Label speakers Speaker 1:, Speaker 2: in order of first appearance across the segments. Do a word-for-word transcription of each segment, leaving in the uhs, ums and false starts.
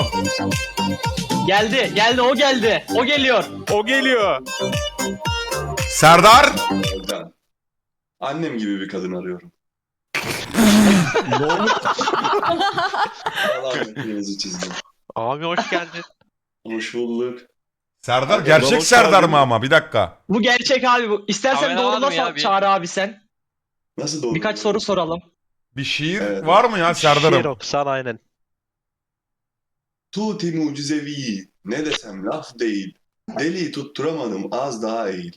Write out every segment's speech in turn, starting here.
Speaker 1: Geldi, geldi, o geldi. O geliyor.
Speaker 2: O geliyor.
Speaker 3: Serdar.
Speaker 4: Ben annem gibi bir kadın arıyorum. Allah hepinizi çizdim.
Speaker 5: Abi hoş geldin.
Speaker 4: Hoş bulduk.
Speaker 3: Serdar
Speaker 4: Abi,
Speaker 3: gerçek
Speaker 4: hoş
Speaker 3: Serdar
Speaker 4: geldin.
Speaker 3: mı ama bir dakika.
Speaker 1: Bu gerçek abi bu. İstersen
Speaker 5: Kamera var
Speaker 1: doğrula
Speaker 5: mı ya
Speaker 1: sor
Speaker 5: bir?
Speaker 1: Çağrı abi sen.
Speaker 4: Nasıl doğru?
Speaker 1: Birkaç soru soralım.
Speaker 3: Bir şiir
Speaker 4: Evet.
Speaker 3: var mı ya
Speaker 5: Şiir
Speaker 3: Serdar'ım?
Speaker 5: okusan aynen.
Speaker 4: Tuti mucizevi. Ne desem laf değil. Deli tutturamadım az daha eğil.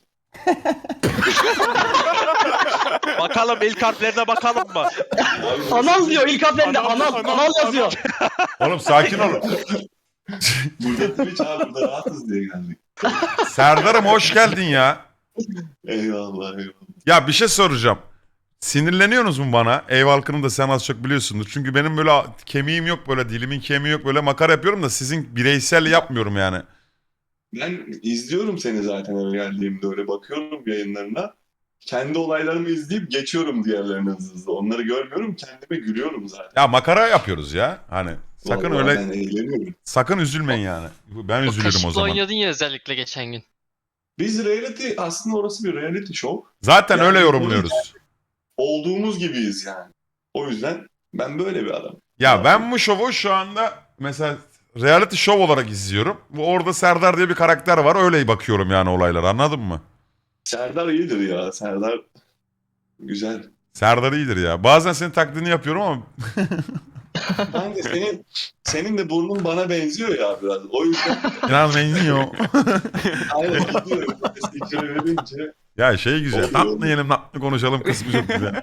Speaker 5: Bakalım ilk harflerine bakalım mı?
Speaker 4: Abi,
Speaker 1: Anal diyor ilk harflerinde
Speaker 2: Anal,
Speaker 1: anal,
Speaker 2: anal,
Speaker 1: anal yazıyor.
Speaker 3: Oğlum sakin ol.
Speaker 4: Burada Twitch abi burada rahatız diye geldik.
Speaker 3: Serdar'ım hoş geldin ya.
Speaker 4: Eyvallah eyvallah.
Speaker 3: Ya bir şey soracağım. Sinirleniyorsunuz mu bana? Ev halkını da sen az çok biliyorsundur. Çünkü benim böyle kemiğim yok, böyle dilimin kemiği yok, böyle makara yapıyorum da sizin bireysel yapmıyorum yani.
Speaker 4: Ben izliyorum seni zaten eve geldiğimde öyle bakıyorum yayınlarına. Kendi olaylarımı izleyip geçiyorum diğerlerine hızlı hızlı. Onları görmüyorum kendime gülüyorum zaten.
Speaker 3: Ya makara yapıyoruz ya. Hani sakın
Speaker 4: Vallahi
Speaker 3: öyle
Speaker 4: Ben eğleniyorum.
Speaker 3: sakın üzülmeyin yani. Ben
Speaker 6: O
Speaker 3: üzülürüm o
Speaker 6: kaşıkla
Speaker 3: zaman.
Speaker 6: oynadın ya özellikle geçen gün.
Speaker 4: Biz reality aslında orası bir reality show.
Speaker 3: Zaten
Speaker 4: Yani
Speaker 3: öyle
Speaker 4: biz
Speaker 3: yorumluyoruz.
Speaker 4: Olduğumuz gibiyiz yani. O yüzden ben böyle bir adam.
Speaker 3: Ya ben bu şovu şu anda mesela reality show olarak izliyorum. Bu orada Serdar diye bir karakter var. Öyle bakıyorum yani olaylara, anladın mı?
Speaker 4: Serdar iyidir ya. Serdar güzel.
Speaker 3: Serdar iyidir ya. Bazen senin taklidini yapıyorum ama
Speaker 4: Kanka senin senin de burnun bana benziyor ya biraz. O yüzden
Speaker 3: inan benziyor.
Speaker 4: aynen gidiyor. İçeri verince.
Speaker 3: Ya şey güzel.
Speaker 4: Oluyor,
Speaker 3: Tatlı
Speaker 4: oluyor.
Speaker 3: yiyelim, tatlı konuşalım kısmı çok güzel.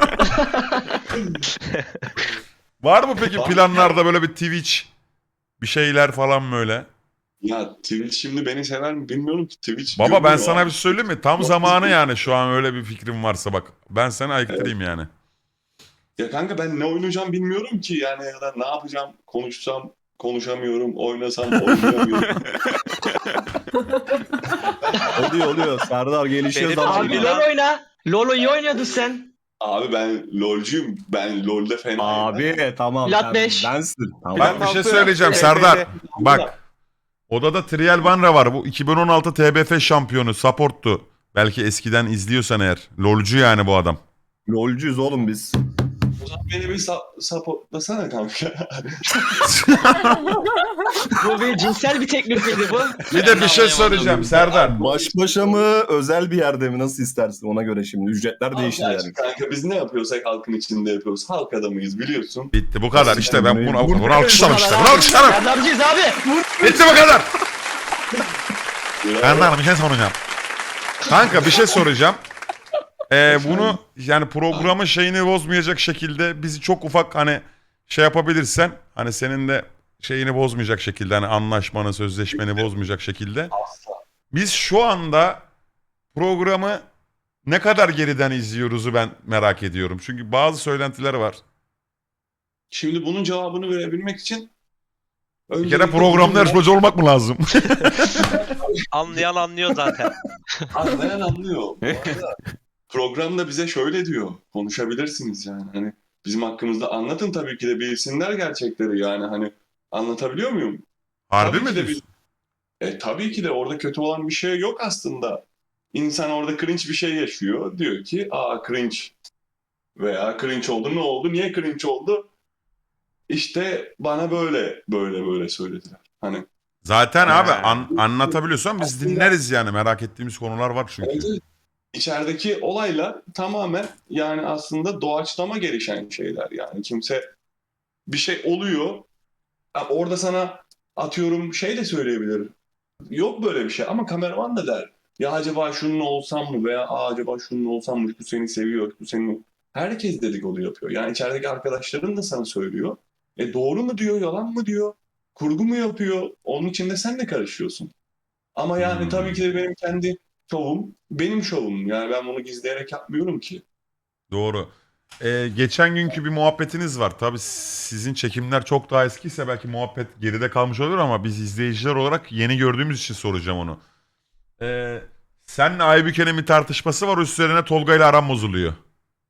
Speaker 3: Var mı peki
Speaker 4: Var.
Speaker 3: planlarda böyle bir Twitch bir şeyler falan böyle?
Speaker 4: Ya Twitch şimdi beni sever mi bilmiyorum ki. Twitch
Speaker 3: Baba ben
Speaker 4: görmüyor
Speaker 3: sana
Speaker 4: abi.
Speaker 3: bir şey söyleyeyim mi? Tam
Speaker 4: Bak-
Speaker 3: zamanı yani şu an öyle bir fikrim varsa bak. Ben seni ayıktırayım yani.
Speaker 4: Ya kanka ben ne oynayacağım bilmiyorum ki. Yani ya da ne yapacağım konuşsam konuşamıyorum. Oynasam oynayamıyorum.
Speaker 2: Oluyor oluyor. Serdar gelişiyor
Speaker 5: Benim
Speaker 2: zaman.
Speaker 1: Abi
Speaker 5: ya.
Speaker 1: LoL oyna. LoL iyi oynuyordun sen.
Speaker 4: Abi ben LoL'cuyum. Ben LoL'de fena.
Speaker 2: Abi tamam.
Speaker 1: Lat
Speaker 2: sen
Speaker 1: beş.
Speaker 2: Bensin. Tamam.
Speaker 3: Bak bir şey
Speaker 5: altı,
Speaker 3: söyleyeceğim
Speaker 5: T B F.
Speaker 3: Serdar. Bak. Odada Trial Banra var. Bu iki bin on altı T B F şampiyonu. Support'tu. Belki eskiden izliyorsan eğer. LoL'cu yani bu adam.
Speaker 2: Lolcuyuz oğlum biz.
Speaker 4: O zaman beni bir sa- supportlasana kanka.
Speaker 1: Bu bir cinsel bir teklif miydi bu?
Speaker 3: Bir de bir şey söyleyeceğim Serdar.
Speaker 2: Baş başa mı özel bir yerde mi nasıl istersin ona göre şimdi. Ücretler değişir
Speaker 4: Gerçi
Speaker 2: yani.
Speaker 4: kanka biz ne yapıyorsak halkın içinde yapıyoruz. Halk adamıyız biliyorsun.
Speaker 3: Bitti bu kadar işte ben bunu, bunu alkışlarım işte. Bunu
Speaker 1: Bunu
Speaker 3: alkışlarım.
Speaker 1: Serdar'cıyız abi.
Speaker 3: Bitti bu kadar.
Speaker 4: Bravo.
Speaker 3: Serdar bir şey soracağım. Kanka bir şey soracağım. Ee, bunu yani programın şeyini bozmayacak şekilde bizi çok ufak hani şey yapabilirsen hani senin de şeyini bozmayacak şekilde hani anlaşmanı sözleşmeni bozmayacak şekilde.
Speaker 4: Asla.
Speaker 3: Biz şu anda programı ne kadar geriden izliyoruzu ben merak ediyorum. Çünkü bazı söylentiler var.
Speaker 4: Şimdi bunun cevabını verebilmek için
Speaker 3: Bir kere programda yarışmacı olmak mı lazım?
Speaker 5: Anlayan anlıyor zaten.
Speaker 4: Anlayan anlıyor. Bu arada programda bize şöyle diyor. Konuşabilirsiniz yani. Hani bizim hakkımızda anlatın tabii ki de bilsinler gerçekleri yani hani anlatabiliyor muyum?
Speaker 3: Harbi
Speaker 4: Tabii
Speaker 3: mi
Speaker 4: ki de
Speaker 3: diyorsun?
Speaker 4: E tabii ki de orada kötü olan bir şey yok aslında. İnsan orada cringe bir şey yaşıyor. Diyor ki aa cringe veya cringe oldu ne oldu? Niye cringe oldu? İşte bana böyle böyle böyle söylediler. Hani
Speaker 3: Zaten abi
Speaker 5: He.
Speaker 3: an- anlatabiliyorsan biz
Speaker 4: Aslında-
Speaker 3: dinleriz yani merak ettiğimiz konular var çünkü.
Speaker 4: evet, evet. İçerideki olaylar tamamen yani aslında doğaçlama gelişen şeyler yani. Kimse bir şey oluyor. Ha, orada sana atıyorum şey de söyleyebilir. Yok böyle bir şey ama kameraman da der. Ya acaba şunun olsam mı veya Aa, acaba şunun olsam mı? Bu seni seviyor, bu seni... Herkes dedikodu yapıyor. Yani içerideki arkadaşların da sana söylüyor. E doğru mu diyor, yalan mı diyor? Kurgu mu yapıyor? Onun içinde sen de karışıyorsun. Ama yani
Speaker 3: Hmm.
Speaker 4: tabii ki de benim kendi şovum, benim şovum. Yani ben bunu gizleyerek yapmıyorum ki.
Speaker 3: Doğru. Ee, geçen günkü bir muhabbetiniz var. Tabii sizin çekimler çok daha eskiyse belki muhabbet geride kalmış olur ama biz izleyiciler olarak yeni gördüğümüz için soracağım onu. Ee, senle Aybüke'nin bir tartışması var, üstlerine Tolga ile aram bozuluyor.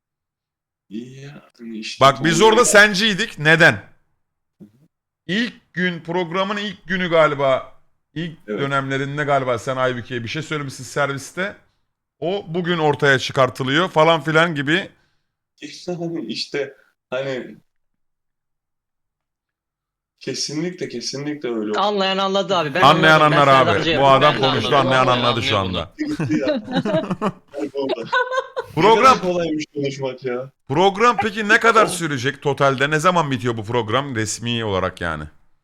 Speaker 4: Yani işte
Speaker 3: Bak biz
Speaker 4: Tolga-
Speaker 3: orada senciydik. Neden? İlk gün programın ilk günü galiba ilk
Speaker 4: Evet.
Speaker 3: dönemlerinde galiba sen Aybüke'ye bir şey söylemişsin serviste. O bugün ortaya çıkartılıyor falan filan gibi.
Speaker 4: İşte hani işte hani kesinlikle kesinlikle öyle oldu.
Speaker 1: Anlayan anladı abi. Ben
Speaker 3: Anlayan
Speaker 1: anladım. Ben
Speaker 3: anlar
Speaker 1: Serdar
Speaker 3: abi.
Speaker 1: Hoca'ya
Speaker 3: Bu
Speaker 1: yapıyorum.
Speaker 3: adam
Speaker 6: Ben de
Speaker 3: konuştu,
Speaker 6: anladım.
Speaker 3: anlayan
Speaker 6: Vallahi
Speaker 3: anladı şu
Speaker 6: anlıyor
Speaker 3: anda.
Speaker 4: Gitti ya. Kayboldu.
Speaker 3: Program
Speaker 4: Ne kadar kolaymış konuşmak ya.
Speaker 3: program peki ne kadar sürecek totalde? Ne zaman bitiyor bu program resmi olarak yani?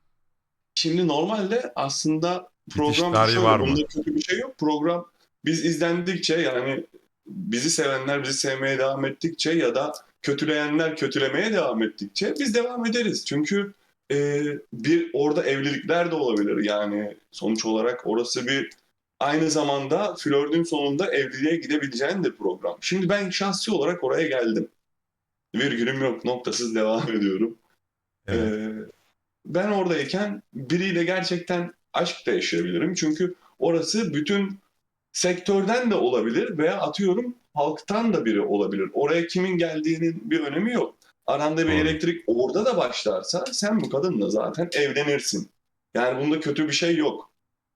Speaker 4: Şimdi normalde aslında
Speaker 3: Bitiş
Speaker 4: program
Speaker 3: tarihi
Speaker 4: şöyle,
Speaker 3: var mı?
Speaker 4: bunda kötü bir şey yok. Program biz izlendikçe yani bizi sevenler bizi sevmeye devam ettikçe ya da kötüleyenler kötülemeye devam ettikçe biz devam ederiz. Çünkü e, bir orada evlilikler de olabilir yani sonuç olarak orası bir aynı zamanda flörtün sonunda evliliğe gidebileceğin de program. Şimdi ben şahsi olarak oraya geldim. Virgülüm yok, noktasız devam ediyorum.
Speaker 3: Evet.
Speaker 4: Ee, ben oradayken biriyle gerçekten aşk da yaşayabilirim. Çünkü orası bütün sektörden de olabilir veya atıyorum halktan da biri olabilir. Oraya kimin geldiğinin bir önemi yok. Aranda bir
Speaker 3: Doğru.
Speaker 4: elektrik orada da başlarsa sen bu kadınla zaten evlenirsin. Yani bunda kötü bir şey yok.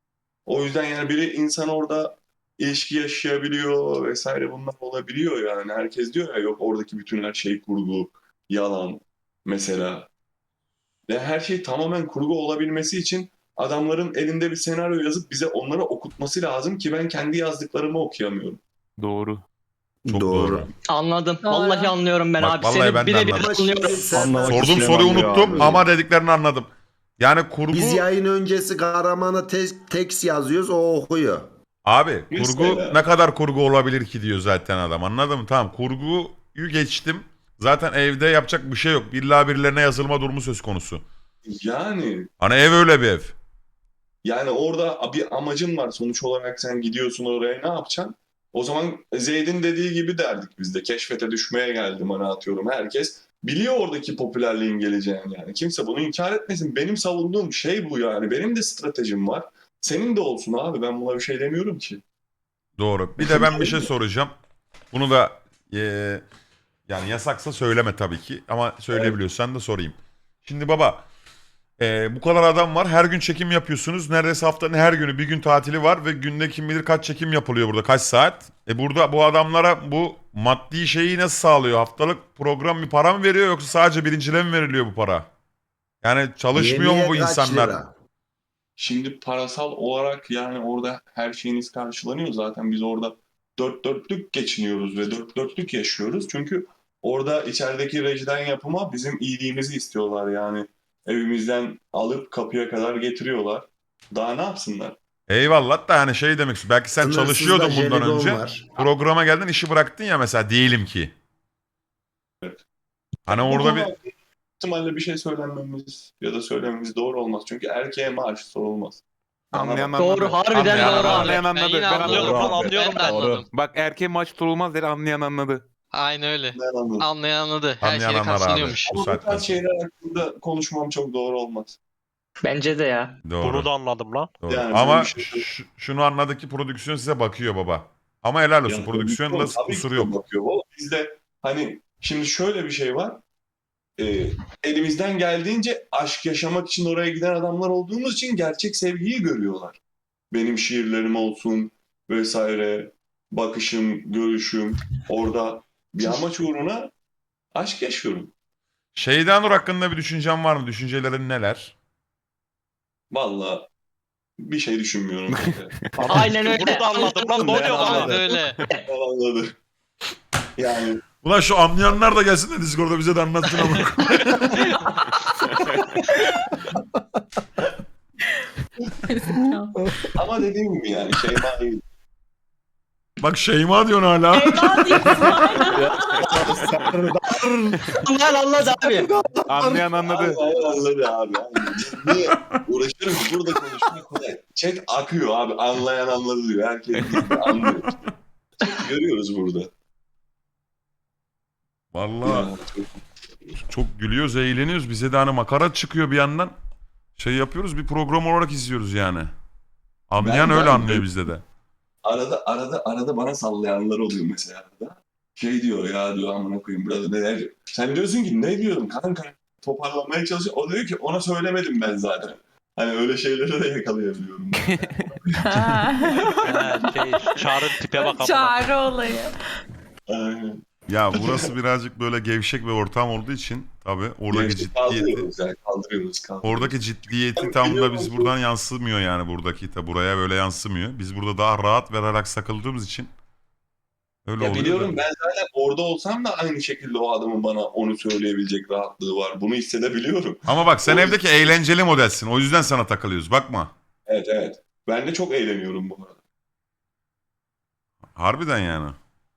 Speaker 4: O yüzden yani biri insan orada ilişki yaşayabiliyor vesaire bunlar olabiliyor yani. Herkes diyor ya yok oradaki bütün her şey kurgu, yalan mesela. Ve her şey tamamen kurgu olabilmesi için adamların elinde bir senaryo yazıp bize onları okutması lazım ki ben kendi yazdıklarımı okuyamıyorum.
Speaker 7: Doğru.
Speaker 3: Çok doğru.
Speaker 1: Anladım.
Speaker 6: Doğru.
Speaker 1: Vallahi anlıyorum ben
Speaker 3: Bak,
Speaker 1: abi.
Speaker 3: vallahi
Speaker 1: Seni
Speaker 3: ben de
Speaker 1: birebir
Speaker 3: anladım.
Speaker 8: Ama şimdi
Speaker 1: anlıyorum.
Speaker 8: sen,
Speaker 2: Anlamak
Speaker 3: Sorduğum
Speaker 2: isteyen
Speaker 3: soruyu
Speaker 2: anlıyor
Speaker 3: unuttum
Speaker 2: abi.
Speaker 3: ama dediklerini anladım. Yani kurgu
Speaker 8: biz yayın öncesi kahramana te- tekst yazıyoruz, o okuyor.
Speaker 3: abi
Speaker 4: Mesela.
Speaker 3: kurgu ne kadar kurgu olabilir ki diyor zaten adam. Anladın mı? Tamam kurguyu geçtim. Zaten evde yapacak bir şey yok. İlla birilerine yazılma durumu söz konusu.
Speaker 4: Yani
Speaker 3: Hani ev öyle bir ev.
Speaker 4: yani orada bir amacın var sonuç olarak sen gidiyorsun oraya ne yapacaksın? O zaman Zeyd'in dediği gibi derdik biz de keşfete düşmeye geldim hani atıyorum herkes biliyor oradaki popülerliğin geleceğini yani kimse bunu inkar etmesin benim savunduğum şey bu yani benim de stratejim var senin de olsun abi ben buna bir şey demiyorum ki.
Speaker 3: Doğru. Bir de ben bir şey soracağım. Bunu da eee, yani yasaksa söyleme tabii ki. Ama söyleyebiliyorsan da sorayım. Şimdi baba eee, bu kadar adam var. Her gün çekim yapıyorsunuz. Neredeyse haftanın her günü bir gün tatili var. Ve günde kim bilir kaç çekim yapılıyor burada. Kaç saat. E burada bu adamlara bu maddi şeyi nasıl sağlıyor? Haftalık program bir para mı veriyor yoksa sadece birincile mi veriliyor bu para? Yani çalışmıyor mu
Speaker 8: Yemeğe
Speaker 3: bu
Speaker 8: kaç
Speaker 3: insanlar?
Speaker 8: lira?
Speaker 4: Şimdi parasal olarak yani orada her şeyiniz karşılanıyor zaten biz orada dört dörtlük geçiniyoruz ve dört dörtlük yaşıyoruz. Çünkü orada içerideki rejiden yapıma bizim iyiliğimizi istiyorlar yani. Evimizden alıp kapıya kadar getiriyorlar. Daha ne yapsınlar?
Speaker 3: Eyvallah da yani şey demek istiyorum. Belki sen
Speaker 8: Sınırsız da
Speaker 3: çalışıyordun bundan
Speaker 8: jelibon
Speaker 3: önce.
Speaker 8: var.
Speaker 3: Programa geldin işi bıraktın ya mesela diyelim ki.
Speaker 4: Evet.
Speaker 3: Hani
Speaker 4: Bu
Speaker 3: orada
Speaker 4: konu
Speaker 3: bir
Speaker 4: hakkında ihtimalle bir şey söylenmemiz ya da söylememiz doğru olmaz. Çünkü erkeğe maaş sorulmaz. Bana
Speaker 7: Anlayan
Speaker 4: bak.
Speaker 7: anladı.
Speaker 1: Doğru, harbiden
Speaker 7: Anlayan
Speaker 1: doğru
Speaker 7: anladı.
Speaker 1: abi.
Speaker 7: Anlayan
Speaker 6: Ben
Speaker 7: anladı.
Speaker 6: yine
Speaker 7: Ben
Speaker 6: anlıyorum.
Speaker 7: anladım.
Speaker 3: Doğru.
Speaker 5: Anlıyorum
Speaker 6: Ben de
Speaker 5: ben.
Speaker 6: anladım.
Speaker 7: Bak erkeğe maç tutulmaz dedi, anlayan anladı.
Speaker 6: Aynen öyle.
Speaker 4: Ben anladım.
Speaker 6: Anlayan anladı. Her
Speaker 3: Anlayan
Speaker 6: şeye
Speaker 3: anlar abi.
Speaker 6: katlanıyormuş.
Speaker 3: Bu
Speaker 4: Ama bu
Speaker 3: saatten
Speaker 4: tarz
Speaker 3: sonra.
Speaker 4: şeyler hakkında konuşmam çok doğru olmaz.
Speaker 1: Bence de ya.
Speaker 3: Doğru.
Speaker 5: Bunu da anladım lan.
Speaker 3: Doğru.
Speaker 4: Yani
Speaker 3: Ama
Speaker 4: böyle bir şey-
Speaker 3: ş- şunu anladık ki prodüksiyon size bakıyor baba. Ama helal olsun.
Speaker 4: Yani
Speaker 3: Prodüksiyonda
Speaker 4: tabii ki
Speaker 3: kusuru
Speaker 4: de
Speaker 3: yok.
Speaker 4: bakıyor. Valla bizde hani şimdi şöyle bir şey var. Ee, elimizden geldiğince aşk yaşamak için oraya giden adamlar olduğumuz için gerçek sevgiyi görüyorlar. Benim şiirlerim olsun vesaire, bakışım, görüşüm orada bir amaç uğruna aşk yaşıyorum.
Speaker 3: Şeyden Nur hakkında bir düşüncen var mı? Düşüncelerin neler?
Speaker 4: Valla bir şey düşünmüyorum.
Speaker 1: Aynen öyle.
Speaker 5: Bunu da anladım lan. Ne oluyor lan?
Speaker 6: Aynen öyle.
Speaker 4: Anladı. Yani
Speaker 3: Ulan şu anlayanlar da gelsin de Discord'da bize de anlatsın ama.
Speaker 4: ama dediğim gibi yani Şeyma değil.
Speaker 3: Bak Şeyma diyorsun hala.
Speaker 1: Anlayan anladı abi.
Speaker 7: Anlayan anladı.
Speaker 4: Aynen anladı abi. Niye uğraşırım ki burada konuşmak kolay. Chat akıyor abi. Anlayan anladı diyor. Herkes bildi, anlıyor. Chat görüyoruz burada.
Speaker 3: Vallahi
Speaker 4: Ya,
Speaker 3: çok gülüyoruz, eğleniyoruz. Bize de hani makara çıkıyor bir yandan. Şey yapıyoruz, bir program olarak izliyoruz yani. Anlayan
Speaker 4: Ben-
Speaker 3: öyle
Speaker 4: ben-
Speaker 3: anlıyor bizde de.
Speaker 4: arada arada arada bana sallayanlar oluyor mesela arada. Şey diyor ya diyor amına koyayım burada neler. Sen diyorsun ki ne diyorum kanka? toparlamaya çalışıyor. O diyor ki ona söylemedim ben zaten. Hani öyle şeyleri de yakalayabiliyorum.
Speaker 5: Ha, şey, Çağrı'nın tipe bak amına.
Speaker 6: Çağrı olayı.
Speaker 4: Aynen.
Speaker 3: Ya burası birazcık böyle gevşek bir ortam olduğu için tabii oradaki
Speaker 4: Gerçi
Speaker 3: ciddiyeti
Speaker 4: kaldırıyoruz yani kaldırıyoruz. kaldırıyoruz.
Speaker 3: oradaki ciddiyeti
Speaker 4: Ben
Speaker 3: tam da
Speaker 4: biliyorum
Speaker 3: biz
Speaker 4: ki-
Speaker 3: buradan yansımıyor yani buradaki tabi buraya böyle yansımıyor. Biz burada daha rahat ve relax takıldığımız için öyle
Speaker 4: Ya
Speaker 3: oluyor.
Speaker 4: biliyorum
Speaker 3: da.
Speaker 4: ben zaten orada olsam da aynı şekilde o adamın bana onu söyleyebilecek rahatlığı var. Bunu hissedebiliyorum.
Speaker 3: Ama bak sen
Speaker 4: O-
Speaker 3: evdeki eğlenceli modelsin. O yüzden sana takılıyoruz. Bakma.
Speaker 4: Evet evet. Ben de çok eğleniyorum bu arada.
Speaker 3: Harbiden yani.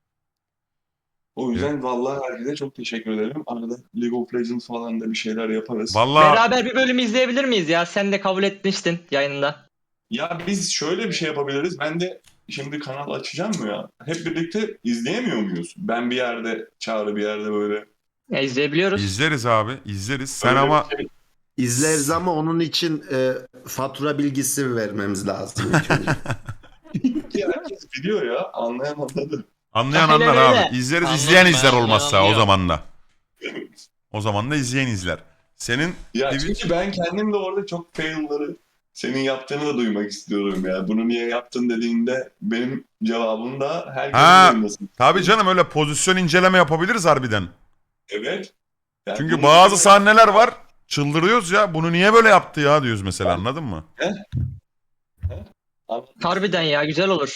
Speaker 4: O yüzden vallahi herkese çok teşekkür ederim. Arada League of Legends falan da bir şeyler yaparız.
Speaker 3: Vallahi
Speaker 1: Beraber bir bölüm izleyebilir miyiz ya? Sen de kabul etmiştin yayında.
Speaker 4: Ya biz şöyle bir şey yapabiliriz. Ben de şimdi kanal açacağım mı ya? Hep birlikte izleyemiyor muyuz? Ben bir yerde, Çağrı bir yerde böyle.
Speaker 1: Ya izleyebiliyoruz.
Speaker 3: izleriz abi. izleriz. Sen
Speaker 4: Öyle
Speaker 3: ama
Speaker 4: bir şey-
Speaker 8: İzleriz ama onun için e, fatura bilgisi vermemiz lazım. ilk önce.
Speaker 4: Ki herkes biliyor ya. Anlayan anladı.
Speaker 3: anlayan
Speaker 1: Aynen
Speaker 3: anlar
Speaker 1: öyle.
Speaker 3: abi. İzleriz
Speaker 5: Anladım
Speaker 3: izleyen
Speaker 5: ben,
Speaker 3: izler
Speaker 5: anlayan
Speaker 3: olmazsa o
Speaker 5: anlıyor.
Speaker 3: zaman da. O zaman da izleyen izler. Senin
Speaker 4: Ya
Speaker 3: Twitch-
Speaker 4: çünkü ben kendim de orada çok fail'ları senin yaptığını da duymak istiyorum ya. Bunu niye yaptın dediğinde benim cevabım da herkesin
Speaker 3: Ha.
Speaker 4: duymasın.
Speaker 3: tabii canım öyle pozisyon inceleme yapabiliriz harbiden.
Speaker 4: Evet. Yani
Speaker 3: Çünkü
Speaker 4: bunu-
Speaker 3: bazı sahneler var. Çıldırıyoruz ya. Bunu niye böyle yaptı ya diyoruz mesela anladın mı?
Speaker 1: Harbiden ya güzel olur.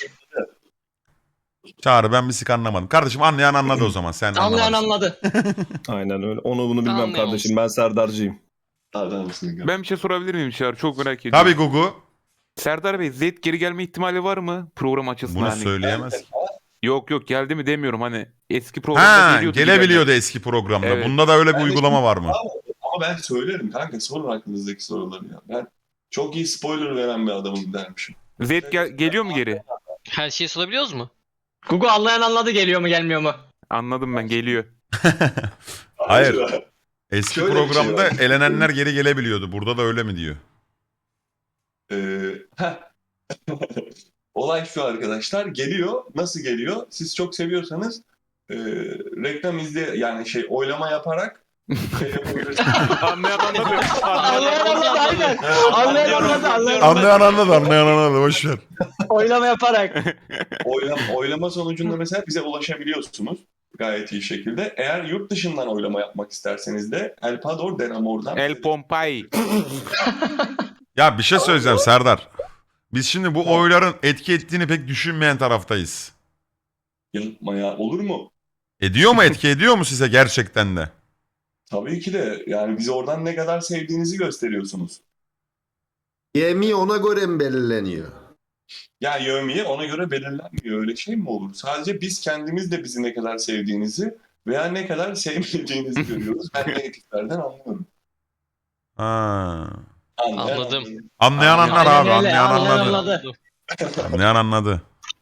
Speaker 3: Çağrı ben bir sik anlamadım. Kardeşim anlayan anladı o zaman. Sen
Speaker 1: Anlayan
Speaker 3: anlamadın.
Speaker 1: anladı.
Speaker 2: Aynen öyle. Onu bunu bilmem
Speaker 5: Anlayamamış.
Speaker 2: kardeşim. Ben Serdar'cıyım.
Speaker 4: Adamsın ya.
Speaker 7: Ben bir şey sorabilir miyim Çağrı? Çok merak ediyorum.
Speaker 3: Tabii Gugu.
Speaker 7: Serdar Bey Zed geri gelme ihtimali var mı? Program açısından
Speaker 3: Bunu
Speaker 7: hani.
Speaker 3: söyleyemez ki.
Speaker 7: Yok yok geldi mi demiyorum hani. Eski programda
Speaker 3: Ha
Speaker 7: geliyordu.
Speaker 3: gelebiliyordu eski programda.
Speaker 7: Evet.
Speaker 3: Bunda da öyle bir
Speaker 4: Ben de-
Speaker 3: uygulama var mı?
Speaker 4: Ama ben söylerim kanka, sorun aklınızdaki soruları ya. Ben çok iyi spoiler veren bir adamım dermişim.
Speaker 7: Zed gel- geliyor mu geri?
Speaker 5: Her şeyi sorabiliyoruz mu?
Speaker 1: Google anlayan anladı geliyor mu gelmiyor mu?
Speaker 7: Anladım ben geliyor.
Speaker 3: Hayır. Eski
Speaker 4: Şöyle bir şey
Speaker 3: programda
Speaker 4: var.
Speaker 3: elenenler geri gelebiliyordu. Burada da öyle mi diyor?
Speaker 4: Ee, heh. Olay şu arkadaşlar, geliyor. Nasıl geliyor? Siz çok seviyorsanız e, reklam izle yani şey oylama yaparak şey yapabilirsiniz.
Speaker 7: Anlayan anladı.
Speaker 1: Anlayan anladı aynen. Anlayan anladı. Anlayan anladı.
Speaker 3: Anlayan anladı anlayan anladı. Boş ver.
Speaker 1: Oylama yaparak.
Speaker 4: oylama, oylama sonucunda mesela bize ulaşabiliyorsunuz gayet iyi şekilde. Eğer yurt dışından oylama yapmak isterseniz de El Pador Denamor'dan
Speaker 7: El Pompay.
Speaker 3: Ya bir şey söyleyeceğim Serdar. Biz şimdi bu oyların etki ettiğini pek düşünmeyen taraftayız.
Speaker 4: yapma ya. Olur mu?
Speaker 3: Ediyor mu etki ediyor mu size gerçekten de?
Speaker 4: Tabii ki de. Yani bizi oradan ne kadar sevdiğinizi gösteriyorsunuz.
Speaker 8: Yemi ona göre mi belirleniyor?
Speaker 4: Ya yevmiye ona göre belirlenmiyor. Öyle şey mi olur? Sadece biz kendimiz de bizi ne kadar sevdiğinizi veya ne kadar sevmediğinizi görüyoruz. Ben negatiflerden anlıyorum.
Speaker 3: Ha.
Speaker 4: Anlayan
Speaker 5: Anladım.
Speaker 4: anladı.
Speaker 3: Anlayan
Speaker 5: Aynen
Speaker 3: anlar abi.
Speaker 1: öyle,
Speaker 3: Anlayan
Speaker 1: anlayan
Speaker 3: anladı.
Speaker 1: anladı.
Speaker 3: Anlayan anladı.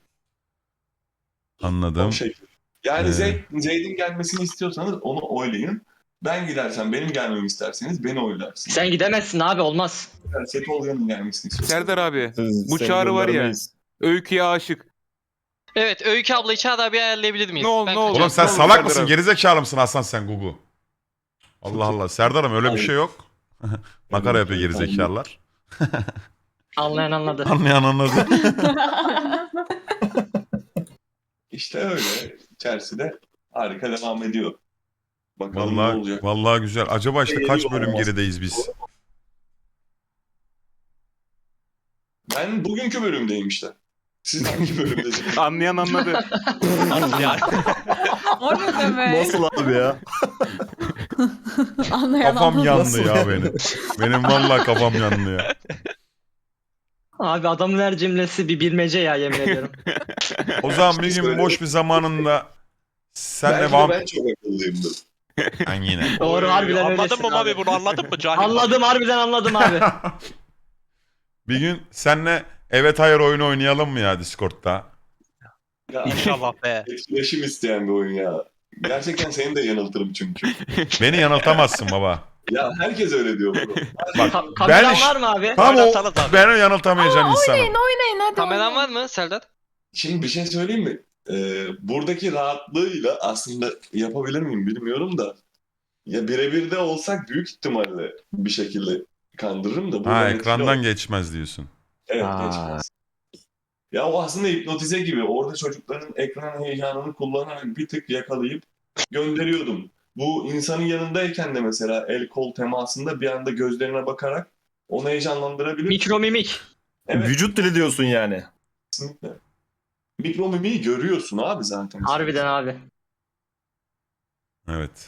Speaker 4: O
Speaker 3: Anladım.
Speaker 4: şekilde. Yani
Speaker 3: Ee.
Speaker 4: Zeyd, Zeyd'in gelmesini istiyorsanız onu oylayın. Ben gidersem benim gelmemi isterseniz beni oylarsınız.
Speaker 1: Sen gidemezsin abi olmaz.
Speaker 4: Yani Setoğlu'nun gelmesini istiyorsanız.
Speaker 7: Serdar abi.
Speaker 2: Siz-
Speaker 7: Bu
Speaker 2: seni
Speaker 7: Çağrı var ya.
Speaker 2: göndermeyiz.
Speaker 7: Öykü'ye aşık.
Speaker 5: Evet Öykü ablayı Çağrı bir ayarlayabilir miyiz?
Speaker 7: Ne ol-
Speaker 5: Ben
Speaker 7: ne ol-
Speaker 5: kaçıyorum.
Speaker 3: Oğlum sen
Speaker 7: Tamam,
Speaker 3: salak
Speaker 7: Serdar
Speaker 3: mısın?
Speaker 7: abi.
Speaker 3: Gerizekalı mısın Hasan sen Gugu? Allah Allah. Serdar'ım öyle bir şey yok. Makara yapıyor gerizekalılar.
Speaker 1: Anlayan anladı.
Speaker 3: Anlayan anladı.
Speaker 4: İşte öyle. İçerisi de harika devam ediyor. Bakalım ne
Speaker 3: Vallahi
Speaker 4: olacak.
Speaker 3: vallahi güzel. Acaba işte kaç bölüm
Speaker 4: Olmaz.
Speaker 3: gerideyiz biz?
Speaker 4: Ben bugünkü bölümdeyim işte. Siz hangi bölümdesiniz?
Speaker 7: Anlayan anladı.
Speaker 5: Yani.
Speaker 6: O ne demek?
Speaker 2: Nasıl abi ya?
Speaker 6: Anlayan
Speaker 3: Kafam
Speaker 6: anladı.
Speaker 3: yandı
Speaker 2: Nasıl
Speaker 3: ya
Speaker 2: yani?
Speaker 3: benim. Benim vallahi kafam yandı ya.
Speaker 1: Abi adamın her cümlesi bir bilmece ya yemin ediyorum.
Speaker 3: O zaman bir gün boş bir zamanında senle
Speaker 4: Belki de
Speaker 3: vamp...
Speaker 4: ben çok akıllıyımdır.
Speaker 3: Ben yine.
Speaker 1: Doğru harbiden
Speaker 5: Anladın
Speaker 1: öylesin
Speaker 5: mı
Speaker 1: abi.
Speaker 5: abi bunu anladın mı? Cahil.
Speaker 1: Anladım harbiden anladım abi.
Speaker 3: Bir gün senle evet hayır oyunu oynayalım mı ya Discord'da?
Speaker 4: Ya,
Speaker 5: İnşallah be.
Speaker 4: etkileşim isteyen bir oyun ya. Gerçekten seni de yanıltırım çünkü.
Speaker 3: Beni yanıltamazsın baba.
Speaker 4: Ya herkes öyle diyor bro.
Speaker 3: Bak
Speaker 1: Ka- kameran
Speaker 3: iş-
Speaker 1: var mı abi?
Speaker 3: tam o
Speaker 5: Oynasanız abi.
Speaker 3: beni yanıltamayacağın insanım.
Speaker 6: Oynayın oynayın hadi.
Speaker 5: Kameran
Speaker 6: oynayın.
Speaker 5: var mı Serdar?
Speaker 4: Şimdi bir şey söyleyeyim mi? Ee, buradaki rahatlığıyla aslında yapabilir miyim bilmiyorum da Ya birebir de olsak büyük ihtimalle bir şekilde kandırırım da.
Speaker 3: Ha
Speaker 4: buradan etkili
Speaker 3: ekrandan
Speaker 4: ol-
Speaker 3: geçmez diyorsun.
Speaker 4: Evet
Speaker 5: Aa.
Speaker 4: geçmez. Ya o aslında hipnotize gibi. Orada çocukların ekran heyecanını kullanarak bir tık yakalayıp gönderiyordum. Bu insanın yanındayken de mesela el kol temasında bir anda gözlerine bakarak onu heyecanlandırabilir.
Speaker 1: Mikromimik.
Speaker 4: Evet,
Speaker 2: Vücut dili diyorsun yani.
Speaker 4: kesinlikle. Mikromimiği görüyorsun abi zaten.
Speaker 1: Harbiden abi.
Speaker 3: Evet.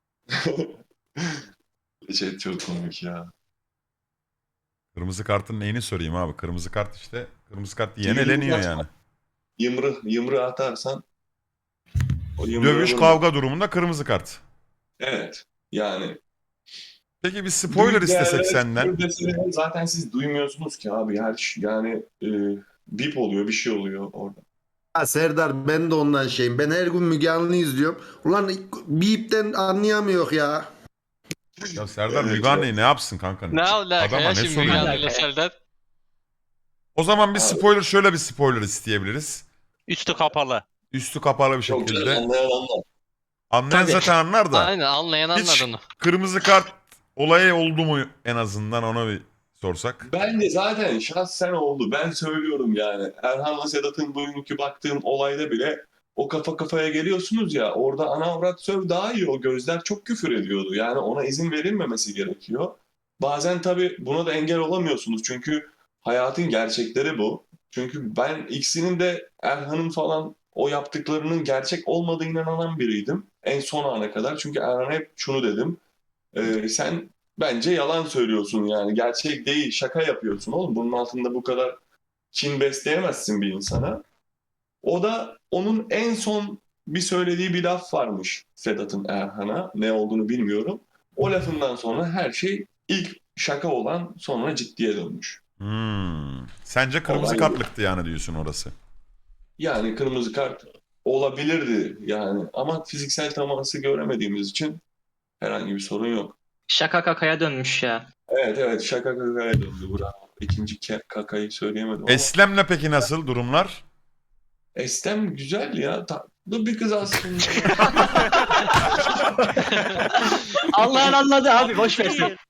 Speaker 4: Şey çok komik ya.
Speaker 3: Kırmızı kartın neyini sorayım abi? Kırmızı kart işte. Kırmızı kart yiyen
Speaker 4: Yumruk
Speaker 3: eleniyor
Speaker 4: atma.
Speaker 3: yani.
Speaker 4: Yımrı, yımrı atarsan o yımrığı
Speaker 3: Dövüş
Speaker 4: vurma.
Speaker 3: kavga durumunda kırmızı kart.
Speaker 4: Evet. Yani
Speaker 3: Peki bir spoiler
Speaker 4: büyük
Speaker 3: istesek
Speaker 4: değerlere
Speaker 3: senden.
Speaker 4: spoiler deseler zaten siz duymuyorsunuz ki abi. Her şey, yani e, bip oluyor, bir şey oluyor orada.
Speaker 8: Ha Serdar ben de ondan şeyim. Ben her gün Müge Anlı izliyorum. Ulan bipten anlayamıyor ya.
Speaker 3: Ya Serdar
Speaker 4: Evet,
Speaker 3: Müge Anlı'yı ne yapsın kanka?
Speaker 5: Ne alaka
Speaker 3: Adama
Speaker 5: ya
Speaker 3: ne
Speaker 5: şimdi
Speaker 3: soruyor?
Speaker 5: Müge
Speaker 1: Ne
Speaker 5: Anlı'yla
Speaker 1: alaka ya?
Speaker 5: Serdar?
Speaker 3: O zaman bir
Speaker 4: Abi.
Speaker 3: spoiler şöyle bir spoiler isteyebiliriz.
Speaker 5: Üstü kapalı.
Speaker 3: Üstü kapalı bir
Speaker 4: Çok
Speaker 3: şekilde.
Speaker 4: güzel anlayan anlar.
Speaker 3: Anlayan
Speaker 1: Tabii.
Speaker 3: zaten anlar da.
Speaker 5: Aynen anlayan
Speaker 3: Hiç
Speaker 5: anladın.
Speaker 3: kırmızı kart olayı oldu mu en azından ona bir sorsak.
Speaker 4: Bence zaten şahsen oldu. Ben söylüyorum yani. Erhan'la Sedat'ın bugünkü baktığım olayda bile o kafa kafaya geliyorsunuz ya, orada ana avrat söv daha iyi, o gözler çok küfür ediyordu. Yani ona izin verilmemesi gerekiyor. Bazen tabii buna da engel olamıyorsunuz çünkü hayatın gerçekleri bu. Çünkü ben ikisinin de Erhan'ın falan o yaptıklarının gerçek olmadığına inanan biriydim. En son ana kadar. Çünkü Erhan'a hep şunu dedim. Ee, sen bence yalan söylüyorsun yani. Gerçek değil, şaka yapıyorsun oğlum. Bunun altında bu kadar kin besleyemezsin bir insana. O da onun en son bir söylediği bir laf varmış Sedat'ın Erhan'a. Ne olduğunu bilmiyorum. O lafından sonra her şey ilk şaka olan sonra ciddiye dönmüş.
Speaker 3: Hmm. Sence kırmızı
Speaker 4: Olay bu.
Speaker 3: kartlıktı yani diyorsun orası.
Speaker 4: Yani kırmızı kart olabilirdi yani. Ama fiziksel teması göremediğimiz için herhangi bir sorun yok.
Speaker 1: Şaka kakaya dönmüş ya.
Speaker 4: Evet evet, şaka kakaya döndü. Bravo. İkinci ke- kakayı söyleyemedim ama.
Speaker 3: Eslem'le peki nasıl durumlar?
Speaker 4: Estem güzel ya. Tatlı bir kız aslında.
Speaker 1: Allah'ın anladı abi boş ver sen.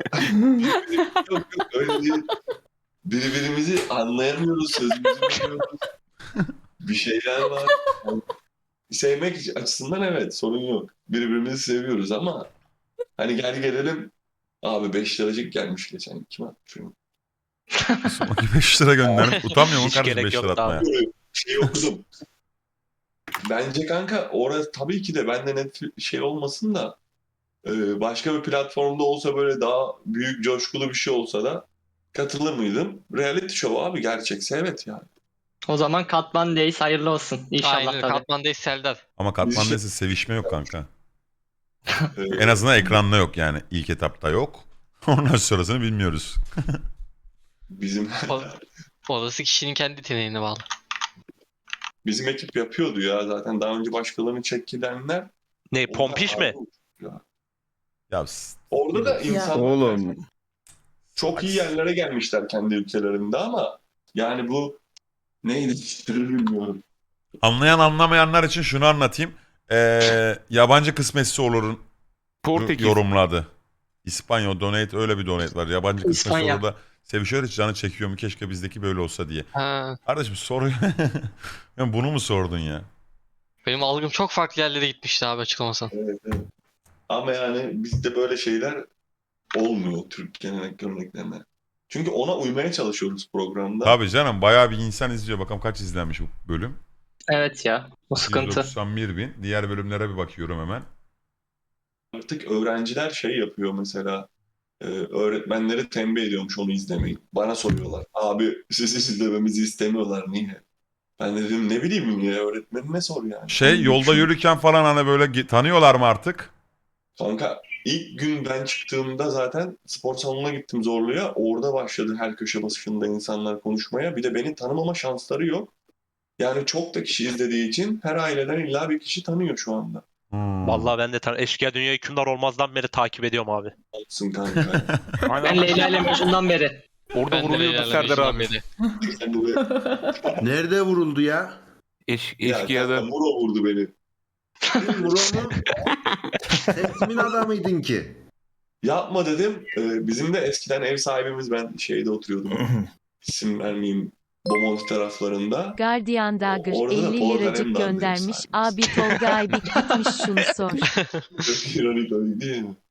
Speaker 4: Yok yok öyle değil. Birbirimizi anlayamıyoruz, sözümüzü bilmiyoruz. Bir şeyler var. Yani sevmek açısından evet, sorun yok. Birbirimizi seviyoruz ama hani gel gelelim, abi beş liracık gelmiş geçen, kim atmış onu?
Speaker 3: Sonraki beş lira gönderip utanmıyor mu
Speaker 5: Hiç
Speaker 3: kardeşim
Speaker 5: gerek
Speaker 3: beş lira
Speaker 5: yoktu abi.
Speaker 3: atmaya?
Speaker 4: Şeyi okudum. Bence kanka orası tabii ki de bende net şey olmasın da e, başka bir platformda olsa, böyle daha büyük coşkulu bir şey olsa da katılır mıydım? Reality show abi, gerçekse evet yani.
Speaker 1: O zaman Katman Days hayırlı olsun. İnşallah
Speaker 5: Aynen
Speaker 1: tabii.
Speaker 5: Katman'dayız Serdar.
Speaker 3: Ama
Speaker 4: Biz
Speaker 3: Katman
Speaker 4: şey-
Speaker 3: Desi sevişme yok kanka.
Speaker 4: E,
Speaker 3: En azından ekranda yok yani. İlk etapta yok. Ondan sonrasını bilmiyoruz.
Speaker 4: Bizim
Speaker 5: O- Orası kişinin kendi yeteneğine bağlı.
Speaker 4: bizim ekip yapıyordu ya zaten, daha önce başkalarını çekilenler.
Speaker 5: Ne pompiş mi?
Speaker 3: Ya s-
Speaker 4: Orada da insan
Speaker 2: Oğlum.
Speaker 4: çok iyi yerlere gelmişler kendi ülkelerinde ama yani bu neydi bilmiyorum.
Speaker 3: anlayan anlamayanlar için şunu anlatayım. Ee, yabancı kısmetse olurun
Speaker 7: Portekiz.
Speaker 3: yorumladı. İspanya donate, öyle bir donate var. Yabancı kısmetse
Speaker 1: İspanya.
Speaker 3: olur da sevişiyor, hiç canı çekiyor mu, keşke bizdeki böyle olsa diye.
Speaker 5: Ha,
Speaker 3: Kardeşim soruyu yani bunu mu sordun ya?
Speaker 5: benim algım çok farklı yerlere gitmişti abi açıklamasan.
Speaker 4: Evet, evet. Ama yani bizde böyle şeyler olmuyor Türk gelenek göreneklerine. Çünkü ona uymaya çalışıyoruz programda.
Speaker 3: Tabii canım, bayağı bir insan izliyor. Bakalım kaç izlenmiş bu bölüm.
Speaker 1: Evet ya. O sıkıntı.
Speaker 3: yüz doksan bir bin. Diğer bölümlere bir bakıyorum hemen.
Speaker 4: Artık öğrenciler şey yapıyor mesela. e, öğretmenleri tembih ediyormuş onu izlemeyin. Bana soruyorlar. Abi siz izlememizi istemiyorlar, niye? Ben de dedim ne bileyim ya, öğretmenine sor yani.
Speaker 3: Şey,
Speaker 4: Hani
Speaker 3: yolda
Speaker 4: şu-
Speaker 3: yürürken falan hani böyle ge- tanıyorlar mı artık?
Speaker 4: Kanka ilk gün ben çıktığımda zaten spor salonuna gittim Zorlu'ya. Orada başladı her köşe başında insanlar konuşmaya. Bir de beni tanımama şansları yok. Yani çok da kişi izlediği için her aileden illa bir kişi tanıyor şu anda.
Speaker 3: Hmm.
Speaker 9: Vallahi ben de tan Eşkıya Dünya Hükümdar olmazdan beri takip ediyorum abi.
Speaker 4: Olsun kanka.
Speaker 1: Ben Leyla ile Mecnun'dan beri.
Speaker 7: Orada
Speaker 5: Ben de
Speaker 7: vuruluyordu
Speaker 5: Leyla'yla
Speaker 7: Serdar
Speaker 5: Mecnun'dan
Speaker 7: abi.
Speaker 5: beri.
Speaker 4: Sen de-
Speaker 8: Nerede vuruldu ya?
Speaker 7: Eş,
Speaker 4: Ya
Speaker 7: eşkıya'da.
Speaker 4: kanka, Muro vurdu beni.
Speaker 8: Murat'ı sen kimin adamıydın ki?
Speaker 4: Yapma dedim. Ee, bizim de eskiden ev sahibimiz, ben şeyde oturuyordum. İsim vermeyeyim. Bomonti taraflarında.
Speaker 10: Guardian Dagger
Speaker 4: Orada da
Speaker 10: elli
Speaker 4: Tolga
Speaker 10: liracık
Speaker 4: Alemdar'dayım
Speaker 10: göndermiş.
Speaker 4: sadece.
Speaker 10: Abi Tolga Aybik gitmiş şunu sor.
Speaker 4: Çok ironik değil mi?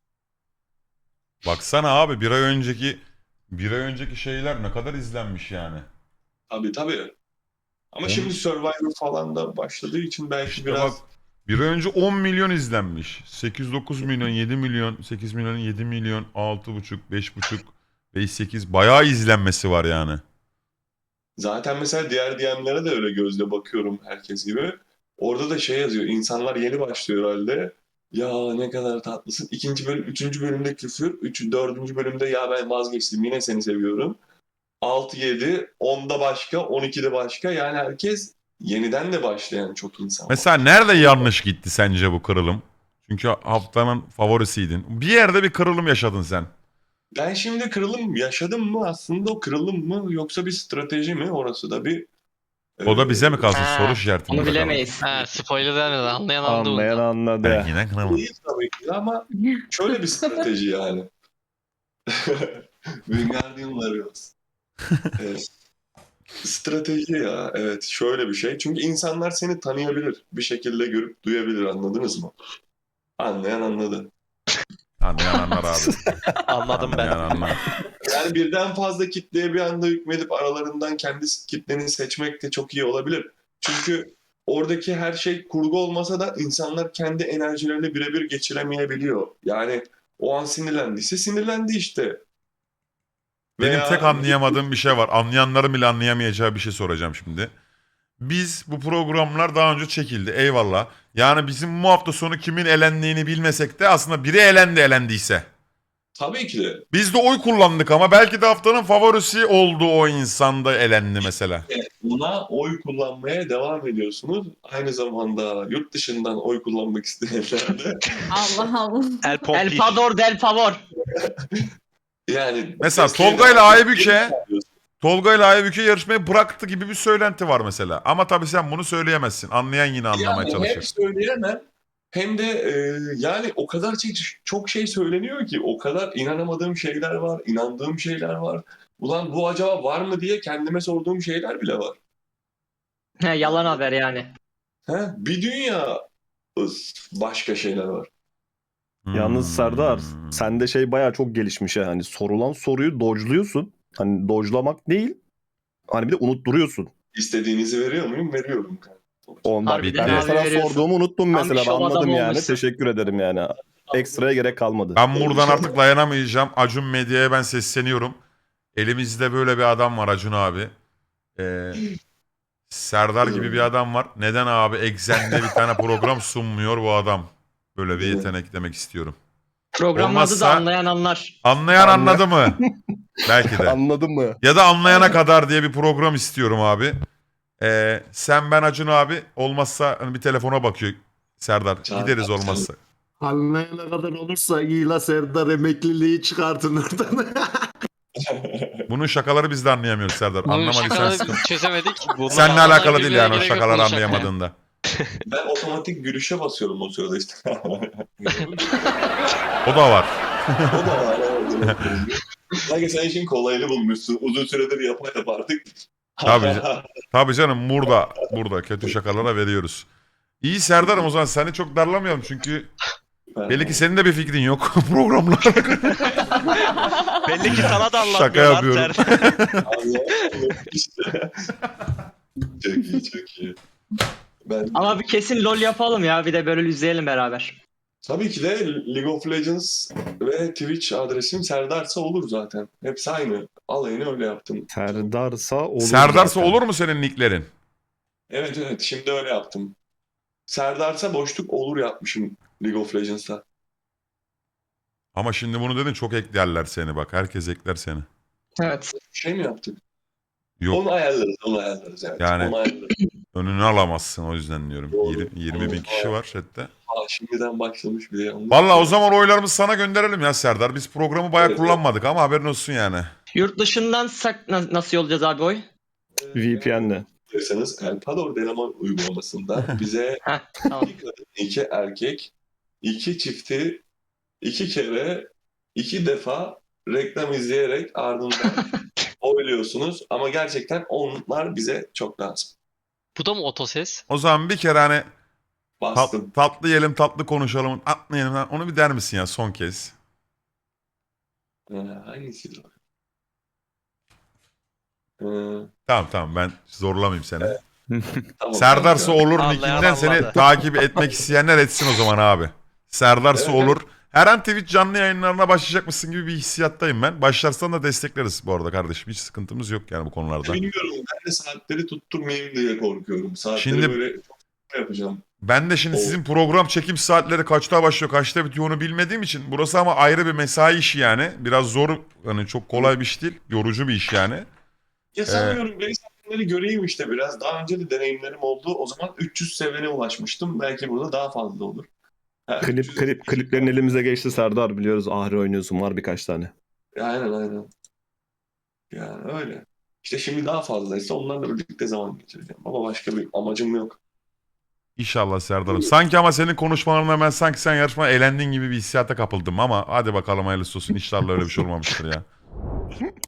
Speaker 3: Baksana abi bir ay önceki bir ay önceki şeyler ne kadar izlenmiş yani.
Speaker 4: Tabii tabii. Ama
Speaker 3: On-
Speaker 4: şimdi Survivor falan da başladığı için belki
Speaker 3: İşte
Speaker 4: biraz...
Speaker 3: bak bir ay önce on milyon izlenmiş. sekiz dokuz milyon, yedi milyon, sekiz milyon, yedi milyon, altı buçuk, beş buçuk, beş sekiz bayağı izlenmesi var yani.
Speaker 4: Zaten mesela diğer D M'lere de öyle gözle bakıyorum herkes gibi. Orada da şey yazıyor. İnsanlar yeni başlıyor herhalde. Ya ne kadar tatlısın. İkinci bölüm, üçüncü bölümde küfür. Üç, dördüncü bölümde ya ben vazgeçtim. Yine seni seviyorum. Altı, yedi, onda başka, on ikide başka. Yani herkes yeniden de başlayan çok insan var.
Speaker 3: Mesela nerede yanlış gitti sence bu kırılım? Çünkü haftanın favorisiydin. Bir yerde bir kırılım yaşadın sen.
Speaker 4: Ben şimdi kırılım yaşadım mı? Aslında o kırılım mı yoksa bir strateji mi? Orası da bir...
Speaker 3: O da bize mi kalsın?
Speaker 1: Ha,
Speaker 3: Soru işareti.
Speaker 1: Onu
Speaker 3: burada
Speaker 1: bilemeyiz.
Speaker 5: He spoiler vermeden anlayan anladı
Speaker 11: Anlayan
Speaker 5: bunu.
Speaker 11: anladı.
Speaker 3: kaldı. Ben yine kırılım.
Speaker 4: Değil tabii ki ama şöyle bir strateji yani. Wingardium Leviosa. Evet. Strateji ya. Evet, şöyle bir şey. Çünkü insanlar seni tanıyabilir. Bir şekilde görüp duyabilir. Anladınız mı? Anlayan anladı.
Speaker 3: Anlayan anlar abi.
Speaker 9: Anladım ben.
Speaker 3: Anlayan anlar.
Speaker 4: Yani birden fazla kitleye bir anda hükmedip aralarından kendi kitleni seçmek de çok iyi olabilir. Çünkü oradaki her şey kurgu olmasa da insanlar kendi enerjilerini birebir geçiremeyebiliyor. Yani o an sinirlendiyse sinirlendi işte.
Speaker 3: Benim
Speaker 4: Veya-
Speaker 3: tek anlayamadığım bir şey var. Anlayanların bile anlayamayacağı bir şey soracağım şimdi. Biz bu programlar daha önce çekildi. Eyvallah. Yani bizim bu hafta sonu kimin elendiğini bilmesek de aslında biri elendi elendiyse.
Speaker 4: Tabii ki de.
Speaker 3: Biz de oy kullandık ama belki de haftanın favorisi oldu o insan da elendi mesela.
Speaker 4: Buna oy kullanmaya devam ediyorsunuz. Aynı zamanda yurt dışından oy kullanmak isteyenler de
Speaker 6: Allah Allah.
Speaker 9: El
Speaker 1: El
Speaker 9: Pompis.
Speaker 1: Pador del Favor.
Speaker 4: yani...
Speaker 3: Mesela Tolga ile Aybüke Tolga ile Aybüke yarışmayı bıraktı gibi bir söylenti var mesela. Ama tabii sen bunu söyleyemezsin. Anlayan yine anlamaya
Speaker 4: Yani hem
Speaker 3: çalışır.
Speaker 4: söyleyemem hem de e, yani o kadar çok, çok şey söyleniyor ki, o kadar inanamadığım şeyler var, inandığım şeyler var. Ulan bu acaba var mı diye kendime sorduğum şeyler bile var.
Speaker 1: He, yalan haber yani.
Speaker 4: He? Bir dünya ıs, başka şeyler var.
Speaker 11: Yalnız
Speaker 3: Hmm.
Speaker 11: Serdar sende şey bayağı çok gelişmiş ha. Hani sorulan soruyu dodge'luyorsun. Hani dodge'lamak değil. Hani bir de unutturuyorsun.
Speaker 4: İstediğinizi veriyor muyum? Veriyorum.
Speaker 11: Ondan
Speaker 1: Harbiden
Speaker 11: ben
Speaker 1: abi
Speaker 11: mesela
Speaker 1: veriyorsun.
Speaker 11: sorduğumu unuttum
Speaker 1: Tam bir
Speaker 11: mesela.
Speaker 1: şov
Speaker 11: Anladım
Speaker 1: adamı
Speaker 11: yani.
Speaker 1: olmuşsun.
Speaker 11: Teşekkür ederim yani. Ekstraya gerek kalmadı.
Speaker 3: Ben buradan artık dayanamayacağım. Acun Medya'ya ben sesleniyorum. Elimizde böyle bir adam var Acun abi. Ee, Serdar gibi bir adam var. Neden abi Exxen'de bir tane program sunmuyor bu adam? Böyle bir yetenek demek istiyorum.
Speaker 1: Programın adı
Speaker 3: Olmazsa-
Speaker 1: da anlayan anlar.
Speaker 3: Anlayan
Speaker 11: Anla-
Speaker 3: anladı mı? Belki de.
Speaker 11: Anladın mı?
Speaker 3: Ya da anlayana kadar diye bir program istiyorum abi. Ee, sen ben Acun abi olmazsa hani bir telefona bakıyor Serdar.
Speaker 4: Çağır,
Speaker 3: Gideriz
Speaker 4: çağır.
Speaker 3: olmazsa.
Speaker 8: Anlayana kadar olursa iyi la Serdar emekliliği çıkartın oradan.
Speaker 3: Bunun şakaları biz de anlayamıyoruz Serdar.
Speaker 5: Bunun
Speaker 3: Anlamadıysan
Speaker 5: şakaları
Speaker 3: sıkıntı.
Speaker 5: biz çözemedik. Bunlar
Speaker 3: Seninle
Speaker 5: anlayan
Speaker 3: alakalı değil
Speaker 5: birbirine
Speaker 3: yani o
Speaker 5: gerek yok
Speaker 3: şakaları
Speaker 5: bunun şakaya.
Speaker 3: anlayamadığında.
Speaker 4: Ben otomatik gülüşe basıyorum o sırada işte.
Speaker 3: O da var.
Speaker 4: O da var. evet. Sanki sen işin kolayını bulmuşsun. Uzun süredir yapa yap artık.
Speaker 3: Tabii canım. Tabii canım burada burada kötü şakalara veriyoruz. İyi Serdar'ım o zaman seni çok darlamayalım çünkü belli ki senin de bir fikrin yok programlar.
Speaker 9: Belli ki sana da
Speaker 3: Şaka
Speaker 9: anlatmıyorlar.
Speaker 3: yapıyorum.
Speaker 4: İşte. Çok iyi, çok iyi. Ben
Speaker 1: Ama bir kesin LoL yapalım ya. Bir de böyle izleyelim beraber.
Speaker 4: tabii ki de League of Legends ve Twitch adresim Serdarsa olur zaten. Hepsi aynı. Alayını öyle yaptım.
Speaker 11: Serdarsa olur.
Speaker 3: Serdar'sa
Speaker 11: zaten.
Speaker 3: olur mu senin nicklerin?
Speaker 4: Evet evet, şimdi öyle yaptım. Serdarsa boşluk olur yapmışım League of Legends'ta.
Speaker 3: Ama şimdi bunu dedin çok eklerler seni bak. Herkes ekler seni.
Speaker 1: Evet.
Speaker 4: Şey mi yaptık?
Speaker 3: Yok
Speaker 4: Onu ayarlarız, onu ayarlarız. Evet.
Speaker 3: Yani-
Speaker 4: Onu ayarlarız.
Speaker 3: önünü alamazsın o yüzden diyorum.
Speaker 4: Doğru.
Speaker 3: yirmi, yirmi bin kişi var chatte.
Speaker 4: Aa, şimdiden başlamış bile. yanlış.
Speaker 3: Valla o zaman oylarımızı sana gönderelim ya Serdar. Biz programı bayağı
Speaker 4: Evet.
Speaker 3: kullanmadık ama haberin olsun yani.
Speaker 1: Yurt dışından sak na- nasıl yollayacağız abi oy?
Speaker 11: V P N'le.
Speaker 4: Diyorsanız Elpador Delaman uygulamasında bize
Speaker 1: Heh, tamam.
Speaker 4: iki kadın, iki erkek, iki çifti, iki kere, iki defa reklam izleyerek ardından oyluyorsunuz. Ama gerçekten onlar bize çok lazım.
Speaker 9: Bu da mı otoses?
Speaker 3: O zaman bir kere hani tat-
Speaker 4: Bastım.
Speaker 3: tatlı yiyelim tatlı konuşalım atmayalım onu bir der misin ya son kez?
Speaker 4: Ee, hangisiydi o? Ee,
Speaker 3: Tamam tamam ben zorlamayayım seni.
Speaker 4: tamam,
Speaker 3: Serdar'sa
Speaker 4: tamam.
Speaker 3: olur
Speaker 9: Anlayan
Speaker 3: nickinden seni
Speaker 9: anladı.
Speaker 3: takip etmek isteyenler etsin o zaman abi. Serdar'sa
Speaker 4: Evet.
Speaker 3: olur. Her an Twitch canlı yayınlarına başlayacakmışsın gibi bir hissiyattayım ben. Başlarsan da destekleriz bu arada kardeşim. Hiç sıkıntımız yok yani bu konularda.
Speaker 4: Bilmiyorum. Ben de saatleri tutturmayayım diye korkuyorum. Saatleri
Speaker 3: Şimdi-
Speaker 4: böyle çok yapacağım.
Speaker 3: Ben de şimdi
Speaker 4: O-
Speaker 3: sizin program çekim saatleri kaçta başlıyor, kaçta bitiyor onu bilmediğim için burası ama ayrı bir mesai işi yani. Biraz zor, hani çok kolay bir iş değil. Yorucu bir iş yani.
Speaker 4: Ya sanmıyorum. Base saatleri göreyim işte biraz. Daha önce de deneyimlerim oldu. O zaman üç yüz seviyene ulaşmıştım. Belki burada daha fazla olur. Ha, üç
Speaker 11: Klip,
Speaker 4: yüz
Speaker 11: klip, kliplerin elimize geçti Serdar biliyoruz. Ahri oynuyorsun var birkaç tane.
Speaker 4: Aynen aynen. Yani öyle. İşte şimdi daha fazlaysa onlarla birlikte zaman geçireceğim. Ama başka bir amacım yok.
Speaker 3: İnşallah Serdar'ım. Sanki ama senin konuşmalarına ben sanki sen yarışma eğlendiğin gibi bir hissiyata kapıldım ama hadi bakalım hayırlısı olsun. İnşallah öyle bir şey olmamıştır ya.